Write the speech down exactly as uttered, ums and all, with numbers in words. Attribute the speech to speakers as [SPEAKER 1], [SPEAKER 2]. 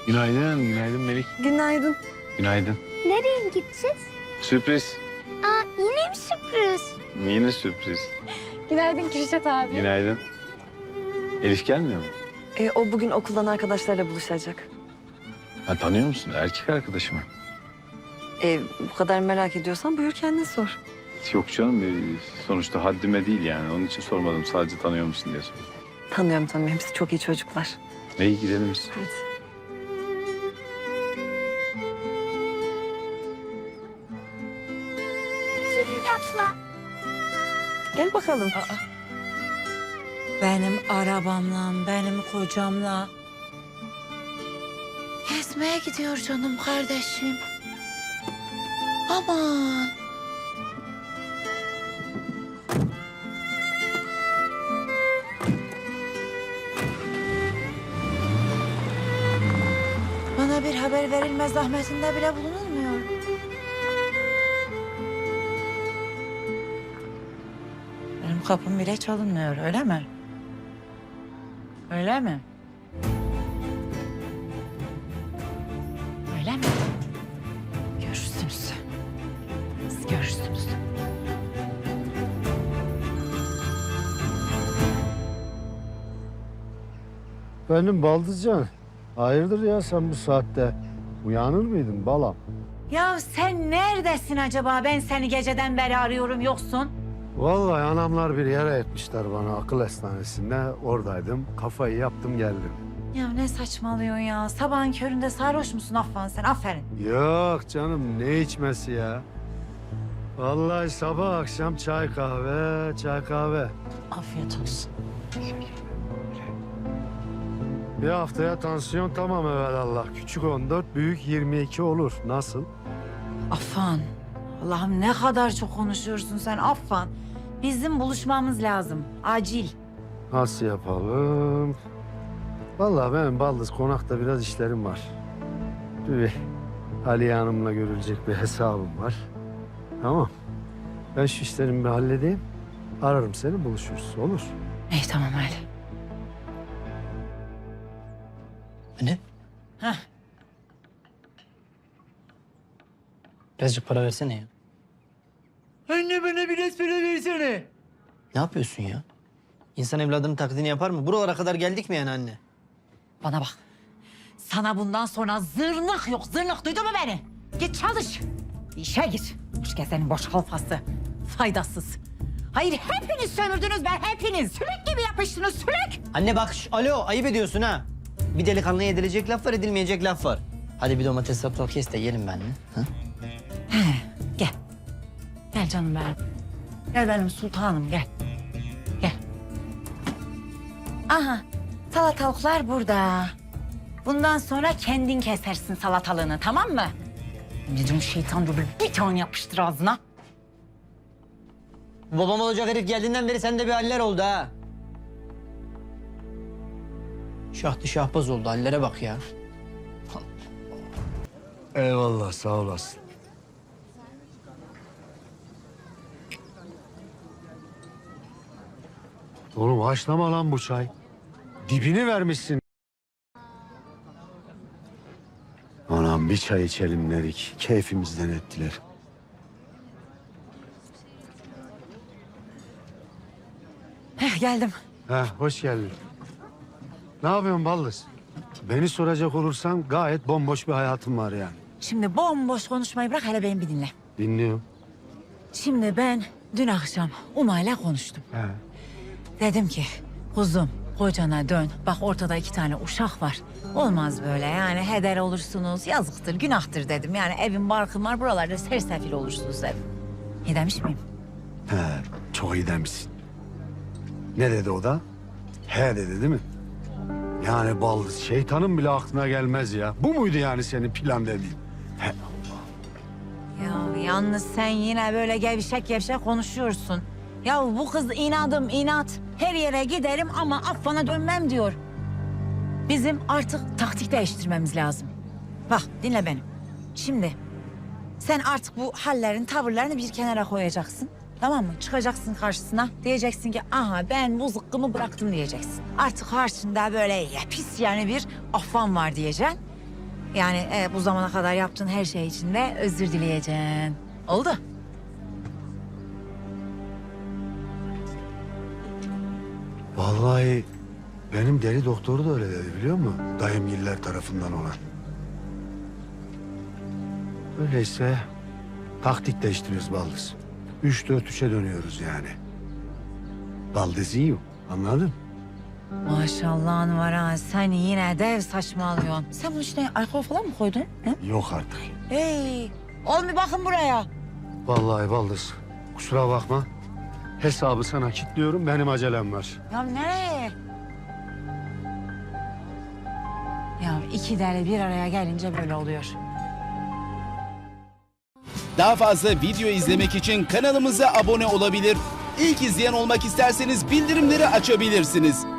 [SPEAKER 1] Günaydın, günaydın Melik.
[SPEAKER 2] Günaydın.
[SPEAKER 1] Günaydın.
[SPEAKER 3] Nereye gideceğiz?
[SPEAKER 1] Sürpriz.
[SPEAKER 3] Aa, yine mi sürpriz?
[SPEAKER 1] Yine sürpriz.
[SPEAKER 2] Günaydın Kürşat abi.
[SPEAKER 1] Günaydın. Elif gelmiyor mu?
[SPEAKER 2] Ee, o bugün okuldan arkadaşlarla buluşacak.
[SPEAKER 1] Ha, tanıyor musun? Erkek arkadaşı mı?
[SPEAKER 2] Ee, bu kadar merak ediyorsan buyur kendin sor.
[SPEAKER 1] Yok canım. e, Sonuçta haddime değil yani. Onun için sormadım. Sadece tanıyor musun diye sordum.
[SPEAKER 2] Tanıyorum tanıyorum. Hepsi çok iyi çocuklar.
[SPEAKER 1] İyi gidelim biz.
[SPEAKER 2] Hadi.
[SPEAKER 3] Atla.
[SPEAKER 2] Gel bakalım.
[SPEAKER 4] Benim arabamla, benim kocamla gezmeye gidiyor canım kardeşim. Aman. Bana bir haber verilme zahmetinde bile bulunulmuyor. Benim kapım bile çalınmıyor, öyle mi? Öyle mi? Öyle mi? Görürsünüz. Siz görürsünüz.
[SPEAKER 5] Benim Baldızcan. Hayırdır ya sen bu saatte? Uyanır mıydın balam?
[SPEAKER 4] Ya sen neredesin acaba? Ben seni geceden beri arıyorum, yoksun.
[SPEAKER 5] Vallahi anamlar bir yere etmişler bana akıl hastanesinde. Oradaydım. Kafayı yaptım geldim.
[SPEAKER 4] Ya ne saçmalıyorsun ya? Sabahın köründe sarhoş musun Affan sen? Aferin.
[SPEAKER 5] Yok canım ne içmesi ya? Vallahi sabah akşam çay kahve, çay kahve.
[SPEAKER 4] Afiyet olsun.
[SPEAKER 5] Bir haftaya tansiyon tamam evelallah. Küçük on dört, büyük yirmi iki olur. Nasıl?
[SPEAKER 4] Affan. Allah'ım ne kadar çok konuşuyorsun sen Affan. Bizim buluşmamız lazım. Acil.
[SPEAKER 5] Nasıl yapalım? Vallahi benim Baldız konakta biraz işlerim var. Bir Aliye Hanım'la görülecek bir hesabım var. Tamam. Ben şu işlerimi bir halledeyim. Ararım seni buluşuruz. Olur.
[SPEAKER 4] İyi tamam öyle.
[SPEAKER 6] Anne,
[SPEAKER 4] Heh.
[SPEAKER 6] birazcık para versene ya.
[SPEAKER 4] Anne bana biraz para versene.
[SPEAKER 6] Ne yapıyorsun ya? İnsan evladının taklidini yapar mı? Buralara kadar geldik mi yani anne?
[SPEAKER 4] Bana bak. Sana bundan sonra zırnık yok, zırnık. Duydun mu beni? Git çalış. İşe gir. Boş gezenin boş kalfası. Faydasız. Hayır hepiniz sömürdünüz ben hepiniz. Sülük gibi yapıştınız sülük.
[SPEAKER 6] Anne bak, şş, alo, ayıp ediyorsun ha. Bir delikanlıya edilecek laf var, edilmeyecek laf var. Hadi bir domates sapsal kes de yiyelim benimle. Ha?
[SPEAKER 4] Gel. Gel canım benim. Gel benim sultanım gel. Gel. Aha salatalıklar burada. Bundan sonra kendin kesersin salatalığını tamam mı? Anneciğim şeytan dur bir tane yapıştır ağzına.
[SPEAKER 6] Babam olacak herif geldiğinden beri sende bir haller oldu ha. Şahtı şahbaz oldu, hallere bak ya.
[SPEAKER 5] Eyvallah sağ olasın. Oğlum haşlama lan bu çay. Dibini vermişsin. Anam bir çay içelim dedik. Keyfimizden ettiler.
[SPEAKER 4] Heh, geldim.
[SPEAKER 5] Heh, hoş geldin. Ne yapıyorsun Baldız? Beni soracak olursan gayet bomboş bir hayatım var yani.
[SPEAKER 4] Şimdi bomboş konuşmayı bırak hele beni bir dinle.
[SPEAKER 5] Dinliyorum.
[SPEAKER 4] Şimdi ben dün akşam Umay'la konuştum.
[SPEAKER 5] He.
[SPEAKER 4] Dedim ki kuzum kocana dön. Bak ortada iki tane uşak var. Olmaz böyle yani heder olursunuz. Yazıktır günahtır dedim. Yani evin barkın var buralarda sersefil olursunuz dedim. İyi demiş miyim?
[SPEAKER 5] He, çok iyi demişsin. Ne dedi o da? He dedi değil mi? Yani Baldız şeytanın bile aklına gelmez ya. Bu muydu yani senin plan dediğin? He.
[SPEAKER 4] Ya yalnız sen yine böyle gevşek gevşek konuşuyorsun. Ya bu kız inadım inat. Her yere giderim ama Affan'a dönmem diyor. Bizim artık taktik değiştirmemiz lazım. Bak dinle beni. Şimdi sen artık bu hallerin, tavırlarını bir kenara koyacaksın. Tamam mı? Çıkacaksın karşısına. Diyeceksin ki aha ben bu zıkkımı bıraktım diyeceksin. Artık karşında böyle pis yani bir Affan var diyeceksin. Yani e, bu zamana kadar yaptığın her şey için de özür dileyeceksin. Oldu.
[SPEAKER 5] Vallahi benim deli doktoru da öyle dedi biliyor musun? Dayımgiller tarafından olan. Öyleyse taktik değiştiriyoruz Baldız. Üç dört üçe dönüyoruz yani. Baldız iyi, anladın?
[SPEAKER 4] Maşallahın var ha. Sen yine dev saçmalıyorsun. Sen bunun içine alkol falan mı koydun? He?
[SPEAKER 5] Yok artık.
[SPEAKER 4] Hey, oğlum bir bakın buraya.
[SPEAKER 5] Vallahi Baldız, kusura bakma. Hesabı sana kilitliyorum, benim acelem var.
[SPEAKER 4] Ya nereye? Ya iki deli bir araya gelince böyle oluyor.
[SPEAKER 7] Daha fazla video izlemek için kanalımıza abone olabilir. İlk izleyen olmak isterseniz bildirimleri açabilirsiniz.